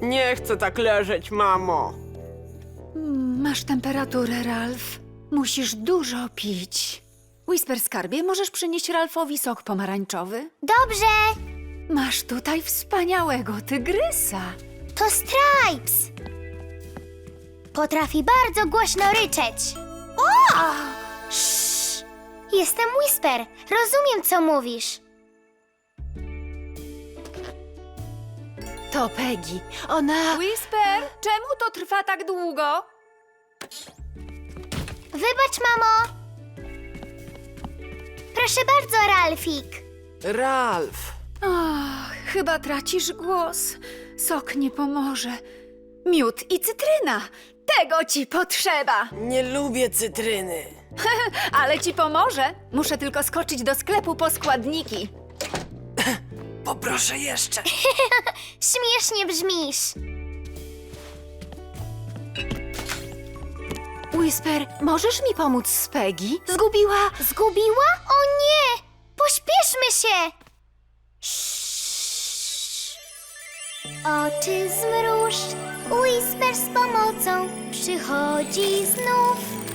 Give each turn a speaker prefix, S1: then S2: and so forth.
S1: Nie chcę tak leżeć, mamo.
S2: Masz temperaturę, Ralf. Musisz dużo pić. Whisper, skarbie, możesz przynieść Ralfowi sok pomarańczowy?
S3: Dobrze,
S2: Masz tutaj wspaniałego tygrysa.
S3: to Stripes. Potrafi bardzo głośno ryczeć. O! Sz! Jestem Whisper. Rozumiem, co mówisz.
S2: To Peggy. Ona... Whisper, czemu to trwa tak długo?
S3: Wybacz, mamo. Proszę bardzo, Ralfik.
S1: Ralf.
S2: Ach, chyba tracisz głos. Sok nie pomoże. Miód i cytryna. Tego ci potrzeba.
S1: Nie lubię cytryny.
S2: Ale ci pomoże. Muszę tylko skoczyć do sklepu po składniki.
S1: Poproszę jeszcze.
S3: Śmiesznie brzmisz.
S2: Whisper, możesz mi pomóc z Peggy? Zgubiła...
S3: Zgubiła? O nie! Pośpieszmy się! Oczy zmruż, Whisper z pomocą przychodzi znów.